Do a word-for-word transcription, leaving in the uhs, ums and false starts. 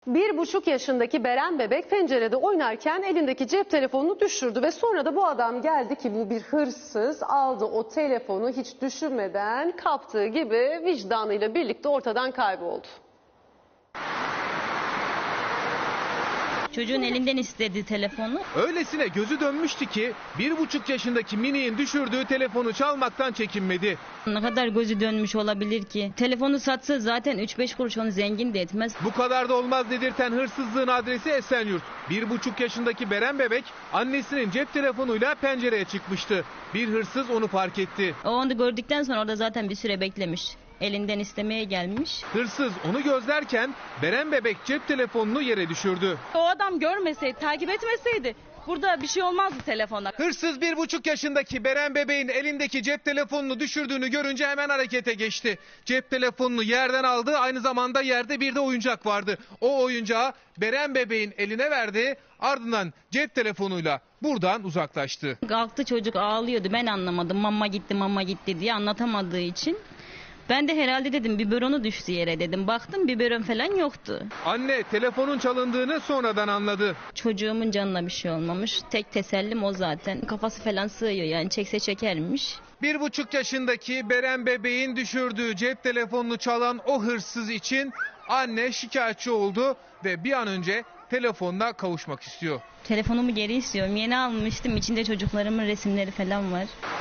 Bir buçuk yaşındaki Beren bebek pencerede oynarken elindeki cep telefonunu düşürdü ve sonra da bu adam geldi ki bu bir hırsız, aldı o telefonu hiç düşünmeden, kaptığı gibi vicdanıyla birlikte ortadan kayboldu. Çocuğun elinden istedi telefonu. Öylesine gözü dönmüştü ki bir buçuk yaşındaki Mini'nin düşürdüğü telefonu çalmaktan çekinmedi. Ne kadar gözü dönmüş olabilir ki? Telefonu satsa zaten üç beş kuruş onu zengin de etmez. Bu kadar da olmaz dedirten hırsızlığın adresi Esenyurt. Bir buçuk yaşındaki Beren bebek annesinin cep telefonuyla pencereye çıkmıştı. Bir hırsız onu fark etti. O onu gördükten sonra orada zaten bir süre beklemiş. Elinden istemeye gelmiş. Hırsız onu gözlerken Beren bebek cep telefonunu yere düşürdü. O adam görmeseydi, takip etmeseydi burada bir şey olmazdı telefona. Hırsız bir buçuk yaşındaki Beren bebeğin elindeki cep telefonunu düşürdüğünü görünce hemen harekete geçti. Cep telefonunu yerden aldı, aynı zamanda yerde bir de oyuncak vardı. O oyuncağı Beren bebeğin eline verdi, ardından cep telefonuyla buradan uzaklaştı. Kalktı, çocuk ağlıyordu, ben anlamadım, mama gitti mama gitti diye anlatamadığı için. Ben de herhalde dedim biberonu düştü yere dedim. Baktım biberon falan yoktu. Anne telefonun çalındığını sonradan anladı. Çocuğumun canına bir şey olmamış. Tek tesellim o zaten. Kafası falan sığıyor yani, çekse çekermiş. Bir buçuk yaşındaki Beren bebeğin düşürdüğü cep telefonunu çalan o hırsız için anne şikayetçi oldu ve bir an önce telefonuna kavuşmak istiyor. Telefonumu geri istiyorum. Yeni almıştım. İçinde çocuklarımın resimleri falan var.